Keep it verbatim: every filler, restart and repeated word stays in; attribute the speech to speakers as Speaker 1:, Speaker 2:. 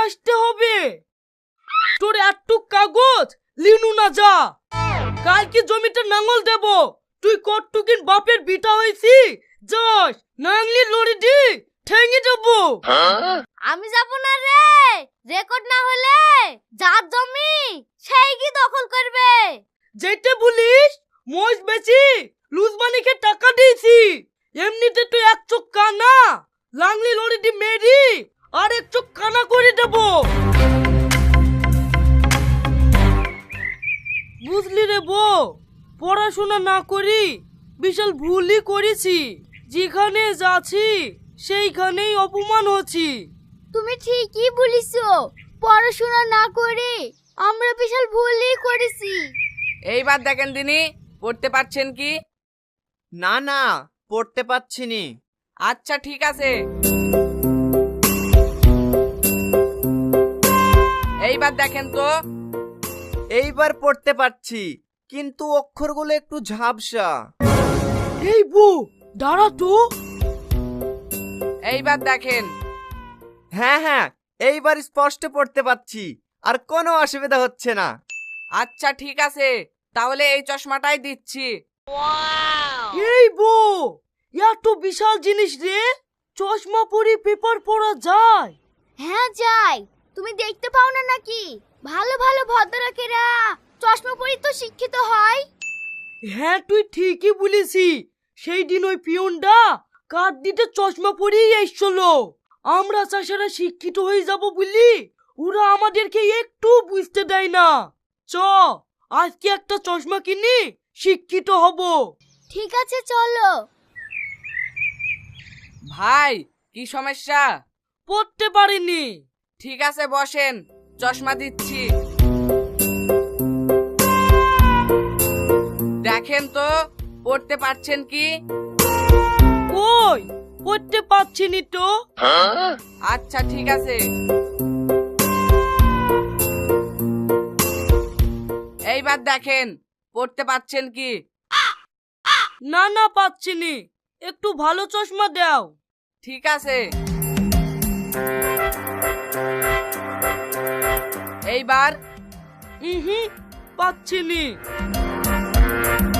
Speaker 1: আসতে হবে। তোর একটু কাগজ লিনু না যা, কালকে জমিতে নাঙল দেব। তুই কটটুকিন বাপের বিটা হয়েছি, যাস নাংলি লড়ি দি ঠেঙে দেবো।
Speaker 2: আমি যাব না রে, রেকর্ড না হলে যার জমি সেই কি দখল করবে।
Speaker 1: যেতে বলিস মোষ বেচি লুজমানিকে টাকা দিয়েছি। এমনিতে তুই এক চোখ কানা, লাংলি লড়ি দি মেরি আর এক চোখ কানা করে দেব। বুঝলি রে বউ, পড়াশোনা না করি বিশাল ভুলই করেছি। যেখানে যাচ্ছি সেইখানেই অপমান হচ্ছি।
Speaker 2: তুমি ঠিকই বলিছো, পড়াশোনা না করে আমরা বিশাল ভুলই করেছি।
Speaker 3: এইবার দেখেন দিনি পড়তে পারছেন কি?
Speaker 4: না না, পড়তে পারছি নি।
Speaker 3: আচ্ছা ঠিক আছে, এইবার দেখেন তো।
Speaker 4: এইবার পড়তে পারছি, কিন্তু অক্ষরগুলো একটু ঝাপসা।
Speaker 1: এই বউ দাঁড়া তো।
Speaker 3: এইবার দেখেন।
Speaker 4: হ্যাঁ হ্যাঁ, এইবার স্পষ্ট পড়তে পারছি, আর কোনো অসুবিধা হচ্ছে না।
Speaker 3: আচ্ছা ঠিক আছে, তাহলে এই চশমাটাই দিচ্ছি।
Speaker 1: এই বউ, এত বিশাল জিনিস রে, চশমা পরে পেপার পড়া যায়?
Speaker 2: হ্যাঁ যাই, তুমি দেখতে পাও না নাকি ভালো ভালো ভদ্রলোকেরা চশমা পরে তো শিক্ষিত হয়।
Speaker 1: হ্যাঁ তুই ঠিকই বলেছি, সেই দিন ওই পিয়নটা কাঠ দিতে চশমা পরেই এসছিল। আমরা চাষারা শিক্ষিত হয়ে যাব বলি ওরা আমাদেরকে একটু বুঝতে দেয় না। চ আজকে একটা চশমা কিনি, শিক্ষিত হব।
Speaker 2: ঠিক আছে চলো।
Speaker 3: ভাই কি সমস্যা?
Speaker 1: পড়তে পারিনি।
Speaker 3: ঠিক আছে বসেন, চশমা দিচ্ছি। দেখেন তো পড়তে পারছেন কি?
Speaker 1: কই পড়তে পারছিনি তো।
Speaker 3: আচ্ছা ঠিক আছে, এইবার দেখেন পড়তে পারছেন কি?
Speaker 1: না না পাচ্ছিনি, একটু ভালো চশমা দাও।
Speaker 3: ঠিক আছে, এইবার
Speaker 1: হুম পাচ্ছিনি।